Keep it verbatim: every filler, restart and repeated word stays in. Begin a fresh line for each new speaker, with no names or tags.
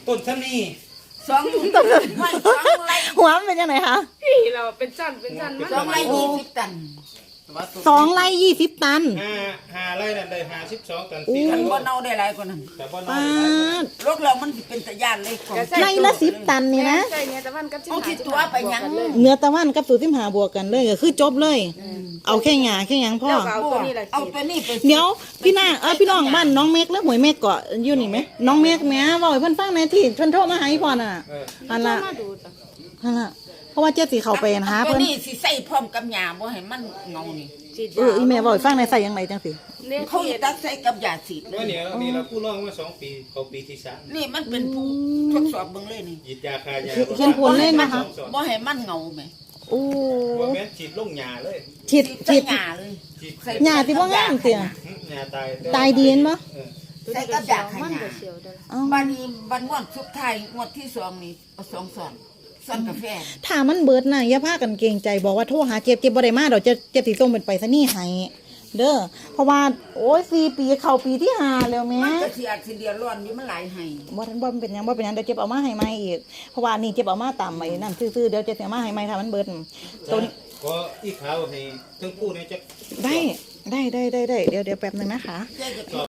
ต้นซ้ำนี่
สองไม่สองไร่
หัวมันเป็นยังไงคะ
พี่เราเป็นจันเป็นจันมัน
สองไร่ยี่สิบตัน
สองไร่ยี่สิบตัน
ห้าห้าไร่นั่นได้ห้าสิบสองตัน
โอ้
สี่
มั
ตั
น
น
บ่เน่าได้หลายกว่านั้น
แต่บ่น้อ
ป้าย ด
รถเรามันสิเป็นตะยานเลยของ
ไร่ละสิบตันนี่นะ
ใช่เนี่ยแต่มันก็
เอาที่ตัวไปยัง
เนื้อตะวันกับสูตรสิบหาบวกกันเลยก็คือจบเลย เอาแค่หยาแค่หยังพ่อ
เอาตัวนี้แหละ
เอาตัวนี้ไป
เดี๋ยวพี่นาเออพี่น้องบ้านน้องเมฆแล้วหวยเมฆเกาะอยู่นี่ไหมน้องเมฆแม่บอกให้เพิ่นฟังในที่เพิ่นโทรมาหาอีพ่อน่ะ
เออ
อันละ
มาดูจ้ะ
อันละเพราะว่าเจ๊สิเข้าไปหา
ตัว
เพิ่น
นี้สิใส่พร้อมกับหญ้าบ่ให้มันเงานี่
ฉีด
เอออีแม่บอกให้ฟังในใส่ยังไงจังสิ
เนี่ย
เขาตักใส่กับยาสีดเล
ว่าย เนี่ยนี่เราผู้ร้องมาสองปีเขาปีที่สาม
นี่มันเป็นผู้ทดสอบเบิ่งเลยนี่
หยิดยาคายา
เขียนผลเล่นนะคะ
บ่ให้มันเงาแหม
โอ้
ว่าแม่นฉีดลงหญ้าเลย
ฉีด
ใส่
ฉีด
หญ้าเลย
ฉีด
ใส่
หญ้าที่ว่างามเสีย
หึหญ้าตาย
ตายดีเห็นปะ
เออ
ใส่กับยาข
มัน
ยา
ก็เสียวเด้อ
เอ้า
บัดนี้บัดงวดสุดท้ายงวดที่สองนี่เอาสองซอนซอนกาแฟ
ถ้ามันเบิดน่ะอย่าพากันเกรงใจบอกว่าโทรหาเจ็บเจ็บบ่ได้มาดอกจะเจ็บสิส่งเป็นไปซะนี่ให้เด้อเพราะว่าโอ้ยสี่ปีเข้าปีที่ห้าแล้วแม่
มันก็สิอาจสิเดือดร้อนอยู่มันหลายให้
บ่ทันบ่เป็นหยังบ่เป็นหยังเดี๋ยวเจ็บเอามาให้ใหม่อีกเพราะว่านี่เจ็บเอามาตามไอ้นั่นซื่อๆเดี๋ยวเจ็บเอามาให้ใหม่ถ้ามันเบิดตัวนี้
ก็อีขาวให้ทั้งคู่เนี่ยจะ
ได้ได้ได้ได้ได้เดี๋ยวเดี๋ยวแป๊บนึงนะคะ
เจ๊ก็